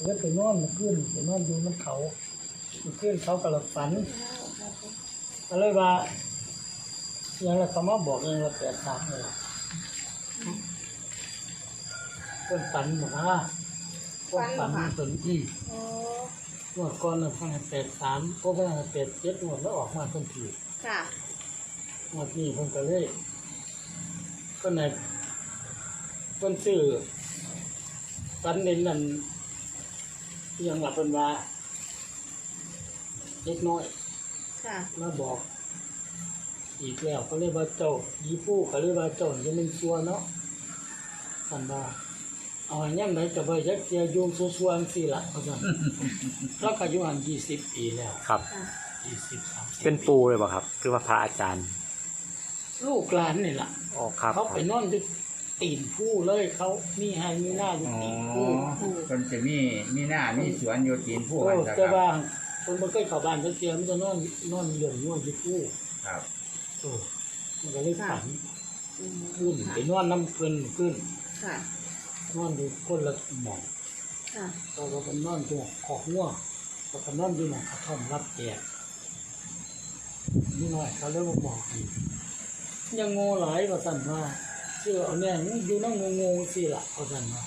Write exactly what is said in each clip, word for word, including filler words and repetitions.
แล้วไปนอนมาขึ้นไปนอนอยู่มันเขาขึ้นเขากระลับฝันอะไรว่าอย่างไรเขามาบอกอย่างไรแปดสามเลยคนฝันบอกว่าคนฝันเป็นอีกงวดก่อนเราฟังแปดสามก็ฟังแปดเจ็ดงวดแล้วออกมาคนผิดค่ะงวดนี้คนก็เลยก็ในคนซื้อฝันในนั้นยังหลับเป็นว่าเล็กน้อยมาบอกอีกแล้วเขาเรียกว่าเจ้ายีผู้เขาเรียกว่าเจ้าจะเป็นชัวเนาะสันว่าเอาอย่างไหนจะไปยักเจียยุงชัวชัวสี่ละเขาสั่งแล้วก็อายุหันยี่สิบปีแล้วครับยี่สิบสามเป็นปูเลยป่ะครับคือว่าพระอาจารย์ลูกหลานนี่แหละเขาไปนอนด้วยตีนผู้เลยเขามีให้มีหน้าอยู่ตีนผู้คนจะมีมีหน้ามีสวนอยู่ตีนผู้กันแต่ว่าคนมันก็เข้าบ้านก็เจียมันจะนอนนอนเหลื่อมนอนที่ผู้ครับโอ้มันก็เลยฝันขึ้นไปนอนน้ำเกินขึ้นนอนดูคนละหมองเราก็เป็นนอนตัวขอกหัวเราก็นอนอยู่หมองกระท่อมรับแจกนี่หน่อยเขาเรียกว่าหมอกยังโง่หลายกว่าสั่นว่าเชื่อเอาเนี่ยอยู่นั่งงงๆสิล่ะเขาสั่นว่า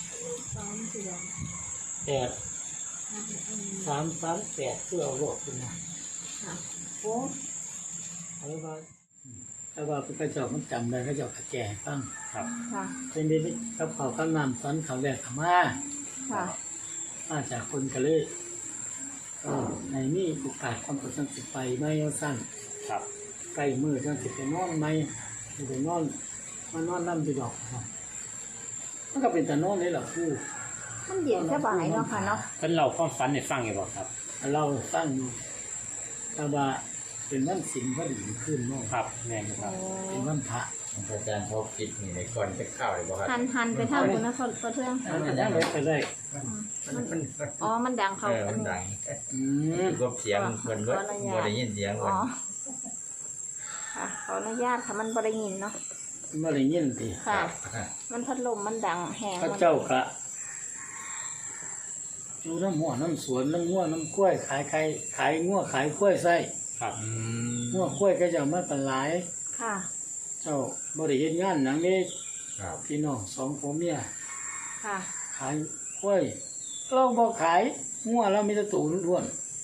แปดสามสามแปดเชื่อเอาโลดขึ้นมาโอ้อะไรว่าแต่ว่าพระเจ้ามันจำได้พระเจ้าขแก่ตั้งครับเป็นเด็กกับเขาข้ามน้ำสันเขาแหลกขมามาจากคนกะเลยในนี่โอกาสความประสงค์สิไปไม่เอาสั้นครับใกล้มือจังสิไปนอนไม่ไปนอนมานอนน้ำจะดอกมันก็เป็นแต่นอนเลยหรอผู้มันเย็นสบายเนาะค่ะเนาะเป็นเราความฝันในฟังอยู่บ่ครับเราฟังอยู่แต่ว่าเป็นวันศีลพอดีขึ้นเนาะครับแม่ครับเป็นวันพระอาจารย์พบคิดนี่ในก่อนจะเข้าเลยบ่ครับหันหันไปทางคุณนะคนเพื่อนมันดังเลยไปได้อ๋อมันดังเขามันดังก็เสียงเหมือนว่าบ่ได้ยินเสียงอ๋อค่ะขออนุญาตค่ะมันบ่ได้ยินเนาะบ่ได้ยินติค่ะมันพัดลมมันดังแหงพระเจ้ากะอยู่น้ำหัวน้ำสวนน้ำงัวน้ำกล้วยขายไข่ขายงัวขายกล้วยไส้ครับงัวกล้วยก็จะมากันหลายค่ะเจ้าบริเวณงานหนังนี้พี่น้องสองผัวเมียค่ะขายกล้วยเราบอกขายงัวเรามีแต่ตูนล้วน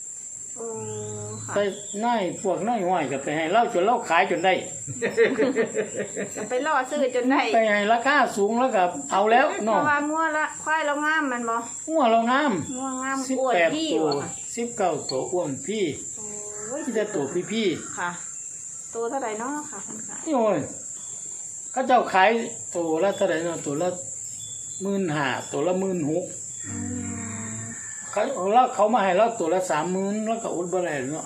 แต่น่ายพวกน่ายห้อยก็ไปให้เราจนเราขายจนได้ไปล่อซื้อจนได้ไปให้ราคาสูงแล้วกับเอาแล้วเนาะเพราะว่างัวละควายเรางามมันบ่งัวเรางามงัวงามอ้วนพี่สิบเก้าตัวอ้วนพี่ที่จะตัวพี่พี่ค่ะตัวเท่าไหร่เนาะค่ะท่านค่ะนี่โอ้ยเขาเจ้าขายตัวละเท่าไหร่เนาะตัวละหมื่นห้าตัวละหมื่นหกเขาแล้วเขามาให้เราตัวละสามหมื่นแล้วก็อุดบ่ได้เนาะ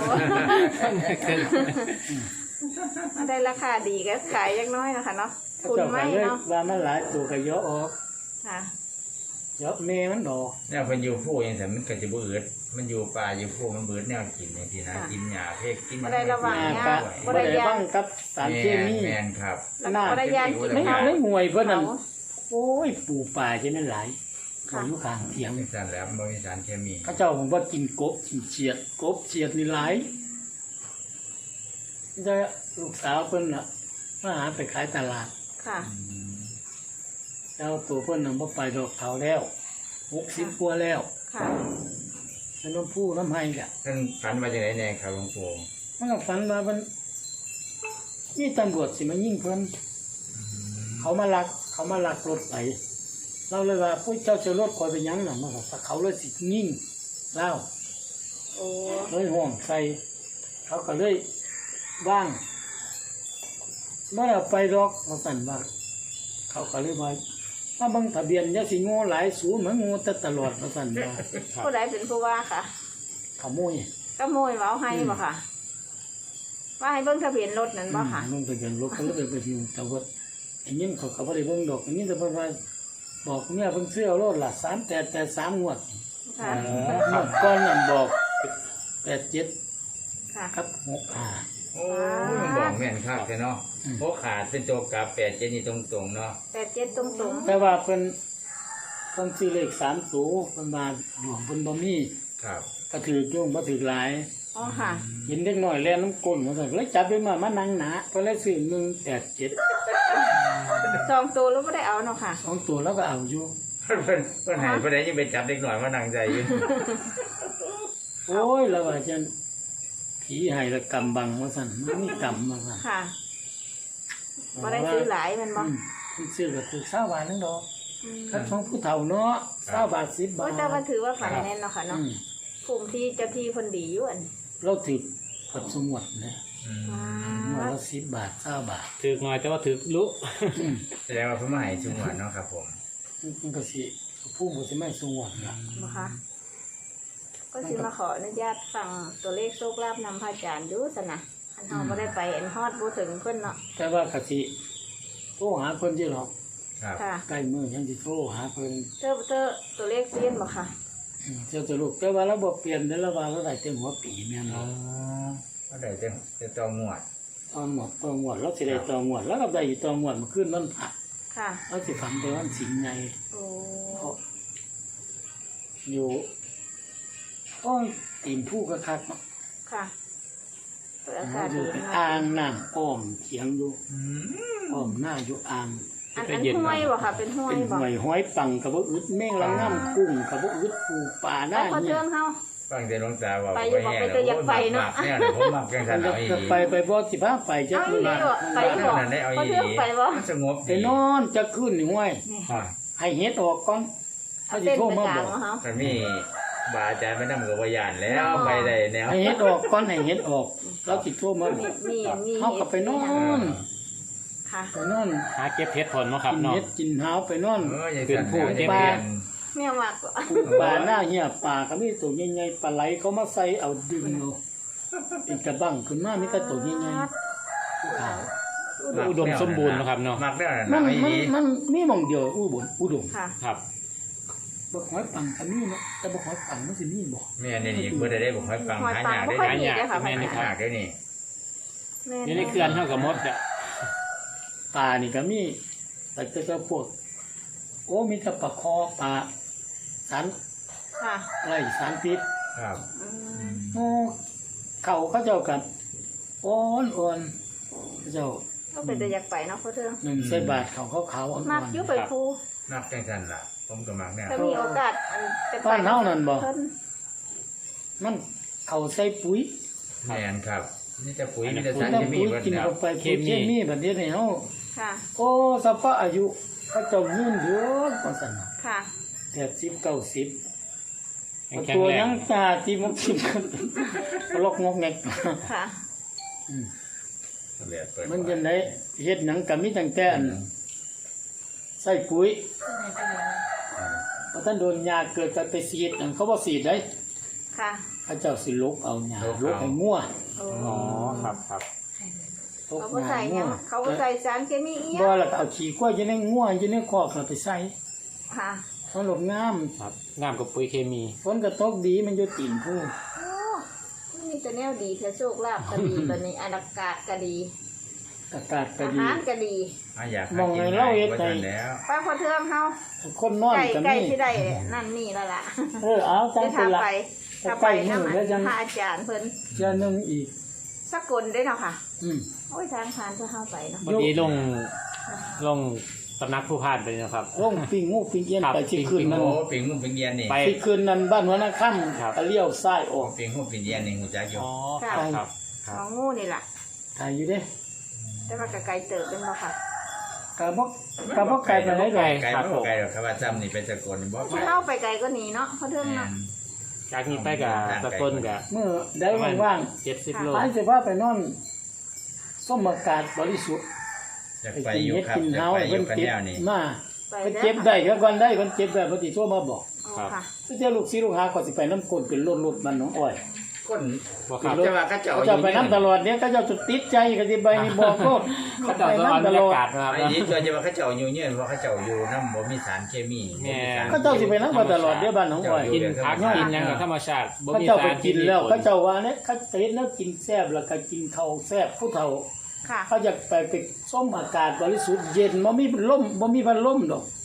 ได้ราคาดีก็ขายยังน้อยนะคะเนาะคุณไม่เนาะว่ามันหลายตัวก็เยอะออกค่ะเยอะเมมันดอกเนี่ยมันอยู่ผู้อย่างแต่มันก็จะเบื่อมันอยู่ป่าอยู่ผู้มันเบื่อแนวกินอย่างที่นะกินหญ้าเพกกินอะไรระวังเนี่ยบ่ได้บ้างกับสารเคมีแมนครับหน้าไม่ไม่ห่วยเพื่อนนั่นโอ้ยปูป่าใช่ไหมหลายเขาอยู่ข้างเถียงสารแล้วมันมีสารเคมีเขาเจ้าผมว่ากินกบกินเฉียดกบเฉียดนี่หลายจะลูกสาวเพิ่นน่ะมาหาไปขายตลาดค่ะเจ้าตัวเพิ่นน่ะบ่ไปดอกเผาแล้วหกสิบกว่าแล้วค่ะเป็นน้ำผู้น้ำไห้กะท่านฝันว่าจะไหนแน่ครับหลวงปู่มันก็ฝันว่ามันนี่ตำรวจสิมายิงเพิ่นเขามาลักเขามาลักรถไปเราเลยว่าผู้เจ้าจะรถคอยไปยั้งหน่อยมาบอกเขาเลยสิยิงเล่าโอ้เลยห่วงใส่เขาก็เลยว่างเมื่อไปรอกมาสั่นว่าเขาก็เลยว่าถ้าบังทะเบียนยาสีงูหลายสูงเหมือนงูแต่ตลอดมาสั่นว่าผู้ใดเป็นผู้ว่าค่ะขโมยขโมยเอาให้บ่ค่ะว่าให้เบิ่งทะเบียนรถนั่นบ่ค่ะเบิ่งทะเบียนรถเขาเลยไปพิมพ์แต่ว่าอย่างนี้เขาเขาไม่ได้เบิ่งดอกอย่างนี้แต่เพิ่นว่าบอกเนี่ยเพิ่งซื้อเอารถละสามแต่แต่สามงวดก้อนนั่นบอกแปดเจ็ดครับหกห้าโอ้บอกแม่นครับใช่เนาะเพราะขาดเป็นตัวกับแปดเจ็ดนี่ตรงๆเนาะแปดเจ็ดตรงๆแต่ว่าเพิ่นคนซื้อเลขสามตัวเพิ่นมาหลวงเพิ่นบ่มีครับก็ถือยุ่งบ่ถือหลายอ๋อค่ะเห็นเด็กน้อยแล่นน้ำก้นมาซั่นเลยจับไปมามานั่งหนาเพิ่นเลยซื้อหนึ่งแปดเจ็ดสองตัวแล้วไม่ได้เอาเนาะค่ะสองตัวแล้วก็เอาอยู่เพิ่นเพิ่นเพิ่นใหายเพิ่นได้ยังไปจับเด็กหน่อยมานั่งใจอยู่โอ้ยแล้วว่าจังผีให้ละกำบังว่าซั่นมันมีกรรมมาซั่นค่ะไม่ได้ซื้อหลายแมันบ่อืมเพิ่นซื้อก็ถือ20บาทนึงดอกอืมคันของผู้เฒ่าเนาะ20บาทสิบบาโอ้ทแต่ว่าถือว่าฝันแน่นเนาะค่ะเนาะอืมภูมิที่เจ้าที่คนดีอยู่อันเราถือกับสมวดนะอืมหน่วยละสิบบาท20บาทถือหน่อยแต่ว่าถือรู้แสดงว่าเพิ่นมาให้ชุมวันเนาะครับผมมันก็สิผู้บ่สิไม่สมวดนะนะคะก็สิมาขออนุญาตฟังตัวเลขโชคลาภนำพระอาจารย์ดูสนะอันเฮาบ่ได้ไปอันฮอดบ่ถึงเพิ่นเนาะแต่ว่าก็สิโทรหาเพิ่นอยู่หรอกครับค่ะใกล้มื้อยังสิโทรหาเพิ่นเจอเจอตัวเลขเซียนบ่ค่ะอืมเจ้าตัวลูกแต่ว่าเราบ่เปลี่ยนเด้อละว่าเราได้เต็มหัวปีแม่นอ๋อเนาะก็ได้แต่แต่ตองวดตอนหมดตอนหมดเราสิได้ตอนหมดแล้วก็ได้อยู่ตอนหมดเมื่อคืนมันผักค่ะเราสิฝันไปวันสิงห์ไงโอ้อยู่อ้อยตีนผู้กระคักเนาะค่ะเปิดอาเรากาศอยู่ดีเป็นเนาะอ่างน้ำอ้อมเขียงอยู่อืมอ้อมหน้าอยู่อ่างอันอันห้วยบ่ค่ะ เป็นห้วยเป็นบ่หอยห้อยปังกับว่าอึดแม่งละง่ำกุ้งกับว่าอึดปูปลาหไปน้าพอเนี่เทืยองเฮาฟังแต่หลวงตาว่าไปอยู่บอกไปแต่อยากไปเนาะเนี่ยเดี๋ยวผมมักจังมัซั่นนจะเอาอีจะหลีไปไปบ่สิพาไปจะเอาคือีนหลีบ่ไปเท่าบ่นั้นได้เอาพออีหเทืองลีไปบ่มันสงบไปดีนอนจะขึ้นนี่ห้วยนี่ครับให้เฮ็ดออกก่อนเขาสิเต้นโทรไปมากลาบงอกเฮามันมีบาอาจารย์ไม่นำกับวายานแล้วไปได้แนวให้เฮ็ดออกก่อนให้เฮ็ดออกแล้วสิโทรมาบมีอกมีมีเฮาก็ไปนอนค่ะไปนอนหาเก็บเพชรผลเนาะครับกินเนาะเฮ็ดกินหาวไปนอนเอออย่าขึ้นสั่นผู้แล้วเก็บจะเองเรียนแม่มากกว่าปลาหน้าเหี้ยปลาก็มีตัวใหญ่ๆปลาไหลเขามาใส่เอาดึงเอาเป็นกระบังขึ้นมามีแต่ตัวใหญ่ๆผู้ขาวอุดมสมบูรณ์เนาะครับเนาะมักได้มันะนไอ้มันนี้มันมีหม่องเดียวอุบลอุดมค่ะครับบ่หอยปังก็มีเนาะแต่บ่หอยปังมันสิมีบ่แม่นี่นี่เพื่อได้ได้บอกให้ฟังหายากได้ค่อยหามียากเลยค่ะแม่นี่หายากได้นี่แม่อยู่ในเขื่อนเท่ากับมดอ่ะปลานี่ก็มีแต่แต่ก็พวกโอ้มีแต่ปลาคอปลาสารค่ะไรสารพิษครับอืมโอ้เขาเขาเจ้ากันอ่อนอ่อนเขาเจ้าก็เป็นแต่อยากไปเนาะพอเทืองหนึ่งใส่บาทเขาเขาขาวอ่อนมักอยุ่ไปภูนักจังสันล่ะ ผมก็มักแน่ถ้ามีโอกาสอันจะไปบ้านเฮานั่นบ่เพิ่นมันเขาใส่ปุ๋ยแม่นครับ นี่จะปุ๋ยมีแต่ปุ๋ยสารน้ำเคมีปุ๋ยเบิดกินแล้วเข้าไปปุ๋ยเคมีบัดนี้ให้เฮาค่ะโอ้สัพพะอายุเขาเจ้ายืนเยอะกว่าซั่นน่ะค่ะแปดสิบเก้าสิบแข็งตัวแรยัง งจ่าที่มันกินกันลอกงอกแงกค่ะอืมเรียกเปิดมันจังได๋เฮ็ดหยังก็มีตั้งแต่อันใส่ปุ๋ยพอท่านโดนยาเกิดก็ไปฉีดอันเขาบ่ฉีดได้ค่ะเขาเจ้าสิลกเอาหญ้าลกให้งัวโอ้อ๋อครับครับลกเขาหก็ญ้าใส่หงัยัวงเขาก็ใส่สารเคมีอีหบ่ยังแล้วก็เอาขี้กล้วยอยู่ในงัวอยู่ในคอกแล้วไปใส่ค่ะมันลดงามครับงามกับปุ๋ยเคมีฝนก็ตกดีมันอยู่ตีนผู้โอ้มีแต่แนวดีเธอโชคลาภก็ดีบัดนี้อากาศก็ดีอากาศก็อาดีหารก็ดีอ่ะอยากมองไงเล่าเฮ็ดไว้ไงจนแล้วป้าพอเทืองเฮาคนนอนไก่ก็ไก่มีที่ได้นั่นนี่แล้วล่ะเออเอาจังได้เป็นละทำไปไปทำใกไปล้มือน้ำแล้วจังพระอาจารย์เพิ่นเทื่อหนึงอีกสกลได้เนาะค่ะอืมโอ้ยทางผ่านเพื่อเข้าไปเนาะวันนี้ลงลงสำนักผู้พานไปนะครับลงปิงงูปิงเอียนครับไปที่คืนปิงนั้นโอ้ปิงหุ่มปิงเย็นนี่ไปที่คืนนั้นบ้านหัวหน้าค่ครับำก็เลี้ยวซ้ายอโอ้อกปิงหุ่มปิงเย็นนี่หูจักอยู่อ๋อครับครับคขรัอบ งงูนี่แหละถ่ายอยู่เด้แต่ว่ากะไก่เติบเป็นบ่ค่ะกะบ่กะบ่ไกลไปไหนไกลไกลไกลครับบ่ผมไกลหรอกครับว่าจำนี่เป็นสกลบ่ไกลถ้าเข้าไปไกลก็หนีเนาะเพราะเรื่องแม่เนาะนจากนี้ไปกับสกลกับเมื่อได้ว่างเจ็ดสิบโลๆหายสิพาไปนอนส้มอากาศบริสุทธิ์อยากไปไปกินอยู่เม็ดครับกินอยากเฮาไปอเพิ่นยู่กันเจ็บแนวนี้มาไปเพิ่นได้เจ็บได้ก็ก่อนได้เพิ่นเจ็บได้เพิ่นสิโทรมาบอกโอ้ค่ะสิเจ้าลูกศิษย์ลูกหาก็สิไปน้ำกลนเป็นรถๆบ้านหนองอ้อยคนบ่ครับจะว่าเขาเจ้าเขาจะไปน้ำตลอดเนี่ยเขาจะจุดติดใจก็สิไปนี่บอกโลดเขาจะสอนบรรยากาศนะครับไอ้นี่ตัวจะว่าเขาเจ้าอยู่เนี่ยว่าเขาเจ้าอยู่น้ำบ่มีสารเคมีแม่เขาเจ้าสิไปน้ำมาตลอดเด้อบ้านหนองอ้อยกินผักกินหยังกับธรรมชาติบ่เขามีเจ้าสาไปรกินแล้วที่มีผเขาเจ้าว่าเนี่ยเขาเห็นแล้วกินแซ่บแล้วก็กินข้าวแซ่บผู้เฒ่าค่ะเขาจะไปไปส้มอากาศบริสุทธิ์เย็นบ่มีพัดลมบ่มีพัดลมดอก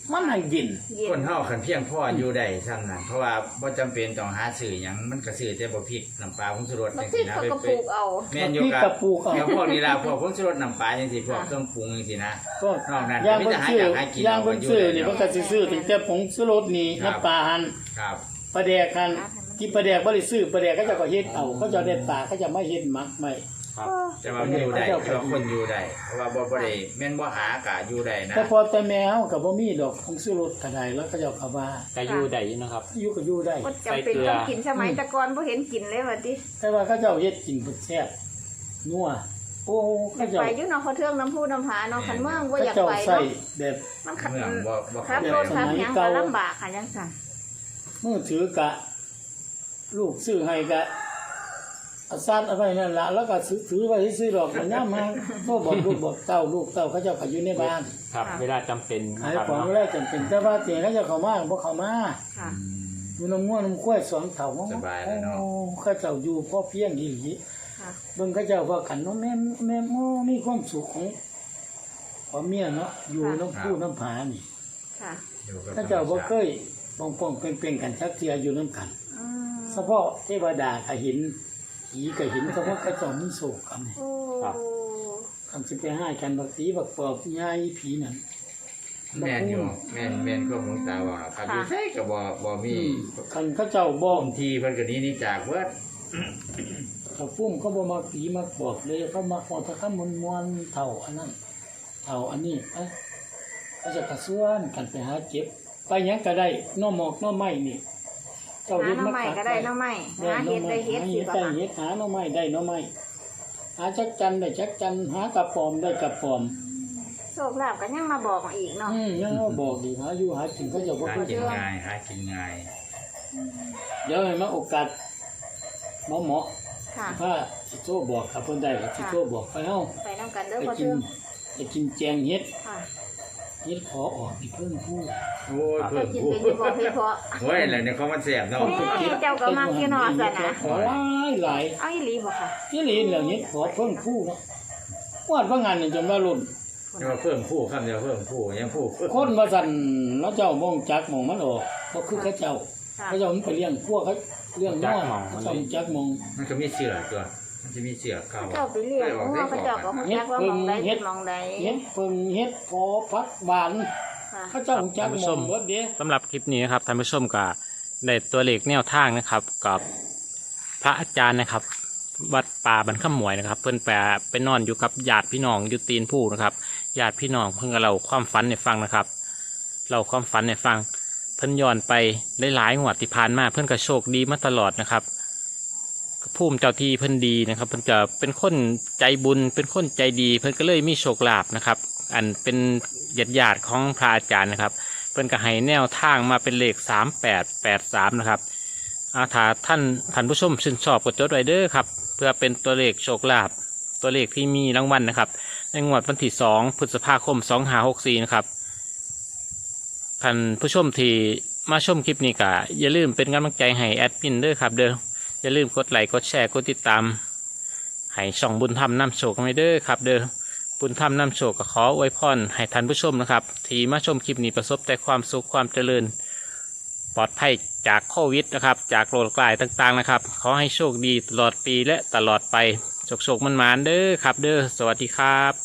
มันให้ยินเย็นคนเฮาคันเพียงพออยู่ได้ซ้ำนั้นเพราะว่าบ่จำเป็นต้องหาซื้อหยังมันก็ซื้อแต่บ่พริกน้ำปลาผงชูรสบาจังงทีซี่นะเขาไปก็ไปปลูกเอาแม่นอยู่พี่กักระบปูกเอาแล้วพวกนี้ล่ะพวกผงชูรสน้ำปลาจังซี่พวกเครื่องปรุงจังซี่นะก็นอกนั้นย่างมีเบิ่แต่งหาซื้ออยากหากินย่างเบิ่งซื้อนี่เอามันก็สิซื้อถึงแต่ผงชูรสนี่ครับน้ำปลาหั่นครับปลาแดกหั่นที่ปลาแดกบ่ได้ซื้อปลาแดกเขาเจะก็เฮ็ดเอาเขาเจะได้ปลาเขาจะไม่เฮ็ดหมักไม่ครับแต่ว่ามันอยู่ได้แต่ว่าคนอยู่ได้เพราะว่าบ่บ่ได้แม่นบ่หากะอยู่ได้นะแต่พอแต่แมวก็บ่มีดอกผงชูรสก็ได้แล้วเขาเจะก็ว่าก็อยู่ได้อยู่นะครับอยู่ก็อยู่ได้ก็จำเป็นต้องกินสมัยแตะกอนบ่เห็นกินเลยว่าติแต่ว่าเขาเจ้าเฮ็ดกินเพิ่นแซ่บนัวโอ้เขาเจ้าไปอยู่เนาะเขาเทืองน้ำพุน้ำผาเนาะคันเมืองบ่เขาอยากเจ้าไปใส่เนาะแบบมันขัดเมืองบ่บ่ครับเข้ารถใจครับหยังก็ลำบากค่ะจังซั่นมือถือกะ ลูกซื้อให้กะเอาซ่านเอาไว้นั่นละแล้วก็ซื้อถือไว้ซื้อดอกมันย่ำมาก็บอกลูกบอกเต้าลูกเต้าเขาเจ้าก็อยู่ในบ้านครับ เวลาจำเป็นขายครับของเนาะแรกจำเป็นแต่ว่าเตียงเขาเจ้าเขามาพวกเขามาค่ะอืมอยู่น้ำม้วนน้ำข้วยสองเถาสบายเลยเนาะโอ้เขาเจ้าอยู่พ่อเพียงดีหลีค่ะเบิ่งเขาเจ้าว่ากันเนาะแม่แม่โอ้มีความสุขของของเมียเนาะอยู่น้ำผู้น้ำผานี่ค่ะอยู่กับเขาเจ้าบ่เคยปองปองเป็นเป็นกันชักเทียอยู่น้ำกันอืมเฉพาะเทวดาก็เห็นผีก็เห็นเฉพาะเขาเจ้ามีโศกกันนี่โอ้คำสิไปให้กันบักตีบักปอบยายผีนั่นแม่นอยู่แม่นแม่นก็หลวงตาว่าครับอยู่ไสก็บ่บ่มีอืมคันเขาเจ้าบอกบางทีเพิ่นก็หนี้นี่จากเบิดเขาปุ้มเขาบ่มาผีมาปอบเลยเขามาขอตะคำมวนมวนๆเท่าอันนั้นเท่าอันนี้เอ้ยเขาจะกระส่วนกันไปหาเก็บ ไปหยังก็ได้หน้อหมอกหน้อไม้นี่เจ้าหาเฮ็ดหน้ำมาไม้ขัดก็ได้หน้ำไม้หาเฮ็ดได้เฮ็ดสิหาบ่ได้ค่ะเฮ็ดหาหน้อไม้ได้หน้อไม้หาจักจันได้จักจันหากระปอมได้กระปอมโชคลาภก็ยังมาบอกอีกเนาะอืมยังเอาบอกดีหาอยู่หากินเขาจะบ่หาค่อยกินง่ายหากินง่ายเดี๋ยวให้มาโอกาสหมอหมอค่ะถ้าสิโทรบอกกับเพิ่นได้ก็สิโทรบอกไปเฮาไปนํกันเด้อไปพ่อกิเทืนองไปกินแจงเฮ็ดค่ะเฮ็ดขอออกอีกเพิ่นผู้โอ้ยก็เพิ่นกินผู้เป็นอยู่บ่เฮ็ดเพาะโอ้ยแล้วเนี่ยเขามันแซ่บเนาะแม่เจ้าก็มักอยู่เนาะซั่นน่ะขอหลายหลายเอาอีหลีบ่ค่ะที่ลีนแล้วเฮ็ดขอเพิ่นผู้เนาะวาดว่างานนี่จนว่าล้นเรียกว่าเพิ่มผู้คำเดียวเพิ่มผู้ยังผู้คนว่าซั่นแล้วเจ้ามองจักมองมันออกก็คือเขาเจ้าค่ะเขาเจ้ามันไปเลี้ยงพวกเขาเลี้ยงน้อยเขาเจ้าจักมองมันก็มีเสือตัวมันจะมีเสือเก่าเจ้าไปเรียกโอ้เขาเจ้าก็ฮู้จักว่าหมองใดเป็นหมองใดเฮ็ดเพิ่งเฮ็ดพอพักหวานค่ะเขาเจ้าจักมองเบิดเด้สำหรับคลิปนี้นะครับท่านผู้ชมก็ได้ตัวเลขแนวทางนะครับ กับพระอาจารย์นะครับ วัดป่าบรรขมวยนะครับ เพิ่นแปไปนอนอยู่กับญาติพี่น้องอยู่ตีนผู้นะครับญาติพี่น้องเพิ่นก็เล่าความฝันให้ฟังนะครับเล่าความฝันให้ฟัง เพิ่นย้อนไปหลายๆงวดที่ผ่านมาเพิ่นก็โชคดีมาตลอดนะครับภูมิเจ้าที่เพิ่นดีนะครับ เพิ่นจะเป็นคนใจบุญเป็นคนใจดี เพิ่นก็เลยมีโชคลาภนะครับ อันเป็นญาติญาติของพระอาจารย์นะครับ เพิ่นก็ให้แนวทางมาเป็นเลขสามแปดแปดสามนะครับอาถาท่านท่านผู้ชมชื่นชอบกดจดไว้เด้อครับเพื่อเป็นตัวเลขโชคลาภตัวเลขที่มีรางวัลนะครับ ในงวดวันที่สองพฤษภาคมสองห้าหกสี่นะครับท่านผู้ชมที่มาชมคลิปนี้ก็อย่าลืมเป็นกำลังใจให้แอดมินเด้อครับเด้ออย่าลืมกดไลค์กดแชร์กดติดตามให้ช่องบุญธรรมนำโชคไว้เด้อครับเด้อบุญธรรมนำโชคก็ขออวยพรให้ท่านผู้ชมนะครับที่มาชมคลิปนี้ประสบแต่ความสุขความเจริญปลอดภัยจากโควิดนะครับจากโรคกลายต่างๆนะครับขอให้โชคดีตลอดปีและตลอดไปโชคโชคมันมานๆเด้อครับเด้อสวัสดีครับ